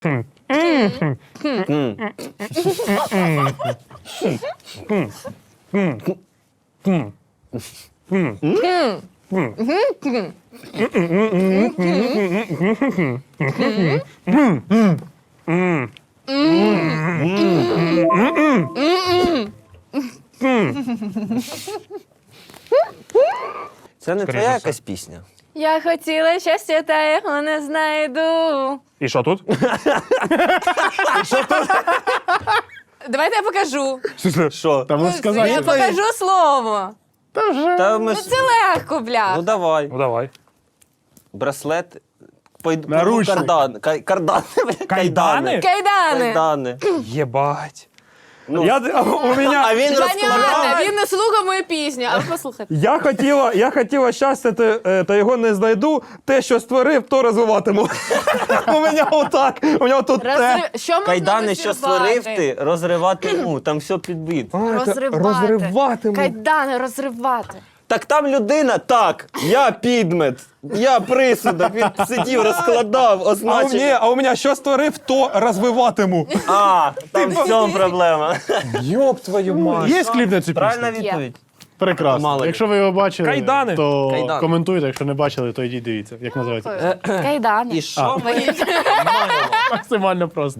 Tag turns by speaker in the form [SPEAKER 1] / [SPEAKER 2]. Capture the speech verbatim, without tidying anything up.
[SPEAKER 1] Це не твоя якась пісня?
[SPEAKER 2] Я хотіла щастя, та його не знайду.
[SPEAKER 3] І що тут?
[SPEAKER 2] Давайте я покажу.
[SPEAKER 1] Що?
[SPEAKER 4] Та можеш сказати.
[SPEAKER 2] Я покажу слово.
[SPEAKER 4] Та вже.
[SPEAKER 1] Та ми
[SPEAKER 2] Ну
[SPEAKER 1] ж...
[SPEAKER 2] це легко, бля.
[SPEAKER 1] Ну давай.
[SPEAKER 3] Ну давай.
[SPEAKER 1] Браслет. Пойду
[SPEAKER 4] Наручник.
[SPEAKER 1] кардан. Кай- Кардани. бля,
[SPEAKER 3] Кайдани?
[SPEAKER 2] Кайдани.
[SPEAKER 1] Кайдани.
[SPEAKER 3] Єбать.
[SPEAKER 1] Ну,
[SPEAKER 3] Я, у мене...
[SPEAKER 1] а він розкладав.
[SPEAKER 2] Понятно, він не слухав мою пісню, але послухайте.
[SPEAKER 3] Я хотіла, я хотіла щастя, та, е, та його не знайду. Те, що створив, то розвиватиму. У мене отак. У мене тут те.
[SPEAKER 2] Розрив... Що можна
[SPEAKER 1] Кайдани, що створив
[SPEAKER 2] розривати?
[SPEAKER 1] ти, розривати му. Там все підбит.
[SPEAKER 3] А, це
[SPEAKER 2] Розривати.
[SPEAKER 3] розриватиму.
[SPEAKER 2] Кайдани розривати.
[SPEAKER 1] Так там людина, так, я підмет, я присудок, він сидів, розкладав,
[SPEAKER 3] А у,
[SPEAKER 1] означив.
[SPEAKER 3] мене, а у мене що створив, то розвиватиму.
[SPEAKER 1] А, там в цьому проблема.
[SPEAKER 3] Йоп твою мать.
[SPEAKER 4] Є кліп на цю
[SPEAKER 1] Правильна
[SPEAKER 4] пісню?
[SPEAKER 1] відповідь.
[SPEAKER 4] Прекрасно.
[SPEAKER 1] Мало ли.
[SPEAKER 4] Якщо ви його бачили,
[SPEAKER 3] Кайдани.
[SPEAKER 4] то
[SPEAKER 1] Кайдани.
[SPEAKER 4] коментуйте. Якщо не бачили, то йдіть дивіться. Як називається?
[SPEAKER 2] Кайдани.
[SPEAKER 1] І що ми
[SPEAKER 4] Максимально просто.